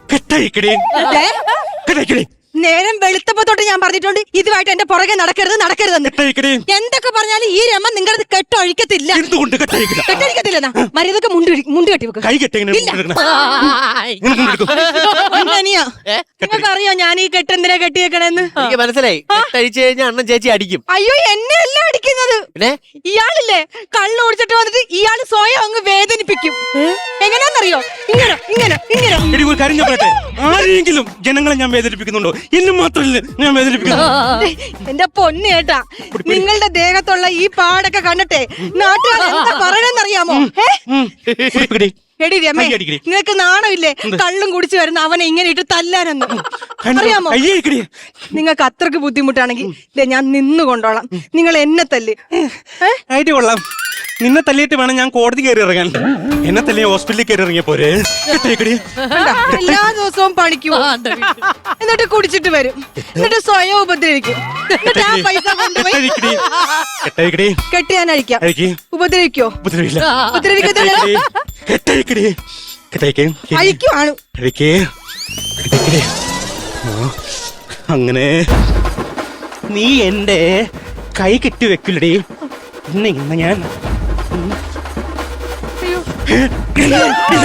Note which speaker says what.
Speaker 1: കെട്ടഴിക്കടി കെട്ടഴിക്കടി.
Speaker 2: നേരം വെളുത്തപ്പോ തൊട്ട് ഞാൻ പറഞ്ഞിട്ടുണ്ട് ഇതുമായിട്ട് എന്റെ പുറകെ നടക്കരുതെന്ന്.
Speaker 1: കെട്ടഴിക്കടി.
Speaker 2: എന്തൊക്കെ പറഞ്ഞാലും ഈ രമ നിങ്ങളത് കെട്ടൊഴിക്കത്തില്ല.
Speaker 1: എന്തുകൊണ്ട് കെട്ടഴിക്കില്ല?
Speaker 2: കെട്ടൊഴിക്കത്തില്ലെന്നാ മര്യാദക്ക് മുണ്ട് കെട്ടി വെക്കുക.
Speaker 1: കൈ കെട്ടെങ്ങനെ
Speaker 2: നിങ്ങൾക്ക് അറിയോ ഞാൻ ഈ കെട്ടെന്തിനാ കെട്ടിയേക്കണെന്ന്?
Speaker 3: എനിക്ക് മനസ്സിലായി. കെട്ടഴിച്ചു കഴിഞ്ഞാൽ അണ്ണൻ ചേച്ചി അടിക്കും.
Speaker 2: അയ്യോ എന്നെ അല്ല അടിക്കുന്നത്. ഇയാളില്ലേ കള്ളു കുടിച്ചിട്ട് വന്നിട്ട് ഇയാള് സ്വയം അങ്ങ് വേദനിപ്പിക്കും. എങ്ങനെയാന്നറിയോ? ഇങ്ങനെ ഇങ്ങനെ ഇങ്ങനെ.
Speaker 1: എടി ഒരു കാര്യം ഞാൻ പറയട്ടെ, ആരെങ്കിലും ജനങ്ങളെ ഞാൻ വേദനിപ്പിക്കുന്നുണ്ടോ? എന്നെ മാത്രമല്ല ഞാൻ വേദനിപ്പിക്കുന്നു.
Speaker 2: എന്റെ പൊന്ന് കേട്ടാ, നിങ്ങളുടെ ദേഹത്തുള്ള ഈ പാടൊക്കെ കണ്ടിട്ടെ നാട്ടുകാർ എന്താ പറയണെന്നറിയാമോ? എടി രമേ, നിനക്ക് നാണമില്ലേ കള്ളും കുടിച്ചു വരുന്ന അവനെ ഇങ്ങനെ ഇട്ട് തല്ലാനെന്ന്? അറിയാമോ? നിങ്ങൾക്ക് അത്രക്ക് ബുദ്ധിമുട്ടാണെങ്കിൽ ഞാൻ നിന്ന് കൊണ്ടോളാം, നിങ്ങൾ എന്നെ തല്ല്.
Speaker 1: ഐഡിയ കൊള്ളാം. നിന്നെ തല്ലിയിട്ട് വേണം ഞാൻ കോടതി കയറി ഇറങ്ങാൻ. എന്നെ തല്ലി ഹോസ്പിറ്റലിൽ കയറി ഇറങ്ങിയ പോരെ.
Speaker 2: എല്ലാ ദിവസവും പണിക്കും, എന്നിട്ട് കുടിച്ചിട്ട് വരും, എന്നിട്ട് സ്വയം ഉപദ്രവിക്കും, എന്നിട്ട് ആ പൈസ കൊണ്ടുപോയി കെട്ടിയാൻ അഴിക്കാം. ഉപദ്രവിക്കോ? ഉപദ്രവിക്കത്തില്ല. അഴിക്കുവാണ്.
Speaker 1: അങ്ങനെ നീ എന്റെ കൈ കെട്ടി വെക്കില്ലടി. ഇന്ന് ഞാൻ